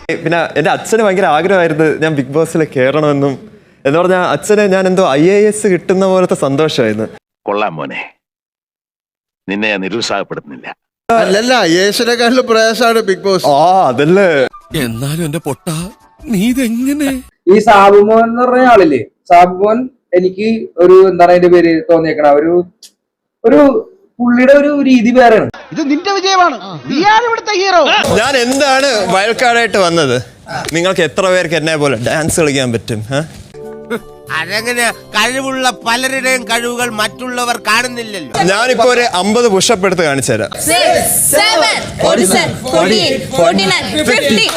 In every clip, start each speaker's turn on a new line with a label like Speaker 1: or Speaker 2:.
Speaker 1: പിന്നെ എൻ്റെ അച്ഛന് ഭയങ്കര ആഗ്രഹമായിരുന്നു ഞാൻ ബിഗ് ബോസിൽ കയറണമെന്നും. എന്ന് പറഞ്ഞാൽ അച്ഛന് ഞാൻ എന്തോ IAS കിട്ടുന്ന പോലത്തെ സന്തോഷമായിരുന്നു.
Speaker 2: കൊള്ളാം മോനെ, നിന്നെ ഞാൻ നിരുത്സാഹപ്പെടുത്തുന്നില്ല.
Speaker 3: അല്ലല്ല, യേശുനെക്കാളും പ്രയാസമാണ് ബിഗ് ബോസ്.
Speaker 1: അതല്ലേ.
Speaker 4: എന്നാലും എന്റെ പൊട്ട നീ ഇതെങ്ങനെ?
Speaker 5: ഈ സാബുമോൻ എന്ന് പറഞ്ഞ ആളില്ലേ, സാബുമോൻ എനിക്ക് ഒരു എന്താണ് അതിന്റെ പേര് തോന്നിയേക്കണ ഒരു പുള്ളിയുടെ ഒരു രീതി വേറെയാണ്.
Speaker 6: ഇത് നിന്റെ വിജയമാണ്, നീയാണ് ഇവിടുത്തെ ഹീറോ.
Speaker 1: ഞാൻ എന്താണ് വയൽക്കാടായിട്ട് വന്നത്? നിങ്ങൾക്ക് എത്ര പേർക്ക് എന്നെ പോലെ ഡാൻസ് കളിക്കാൻ പറ്റും?
Speaker 7: അതെങ്ങനെ? കഴിവുള്ള പലരുടെയും കഴിവുകൾ മറ്റുള്ളവർ കാണുന്നില്ലല്ലോ.
Speaker 1: ഞാനിപ്പോ ഒരു 50 പുഷപ്പ് എടുത്ത് കാണിച്ചു തരാം.
Speaker 8: 6, 7, 47, 48, 49, 50.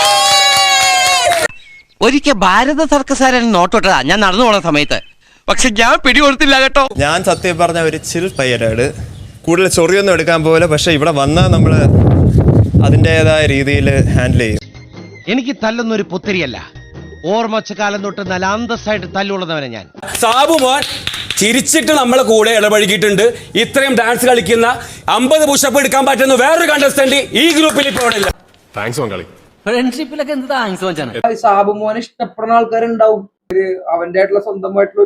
Speaker 7: ഒരിക്കൽ ഭാരത സർക്കസാരൻ നോട്ടോട്ടതാ ഞാൻ നടന്നു പോണ സമയത്ത്, പക്ഷെ ഞാൻ പിടികൊടുത്തില്ല കേട്ടോ.
Speaker 1: ഞാൻ സത്യം പറഞ്ഞ ഒരു ചിൽ പയ്യനാണ്, കൂടുതൽ ചൊറിയൊന്നും എടുക്കാൻ പോലെ. പക്ഷെ ഇവിടെ വന്നാൽ നമ്മൾ അതിൻ്റെതായ രീതിയിൽ ഹാൻഡിൽ ചെയ്യും.
Speaker 6: എനിക്ക് തല്ലുന്നൊരു പുത്തിരിയല്ല, ഓർമ്മച്ച കാലം തൊട്ട് നല്ല അന്തസ്സായിട്ട് തല്ലുള്ളവനെ ഞാൻ.
Speaker 9: സാബുമോൻ ചിരിച്ചിട്ട് നമ്മളെ കൂടെ ഇടപഴകിയിട്ടുണ്ട്. ഇത്രയും ഡാൻസ് കളിക്കുന്ന 50 പുഷപ്പ് എടുക്കാൻ പറ്റുന്ന വേറൊരു കണ്ടസ്റ്റന്റ് ഈ ഗ്രൂപ്പിൽ ഇപ്പോൾ ഇല്ല.
Speaker 4: താങ്ക്സ് മംഗളി.
Speaker 7: ഫ്രണ്ട്ഷിപ്പിലൊക്കെ എന്ത് താങ്ക്സ് വെച്ചാണ്.
Speaker 5: സാബുമോനെ ഇഷ്ടപ്പെടുന്ന ആൾക്കാരുണ്ടാവും. അവന്റെ ആയിട്ടുള്ള സ്വന്തമായിട്ടുള്ള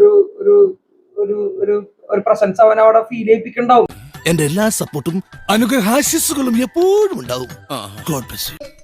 Speaker 5: ഒരു പ്രസൻസ് അവൻ അവിടെ ഫീൽ ചെയ്യിപ്പിക്കുന്നുണ്ടാവും.
Speaker 4: എന്റെ എല്ലാ സപ്പോർട്ടും അനുഗ്രഹാശിസുകളും എപ്പോഴും ഉണ്ടാവും. God bless U.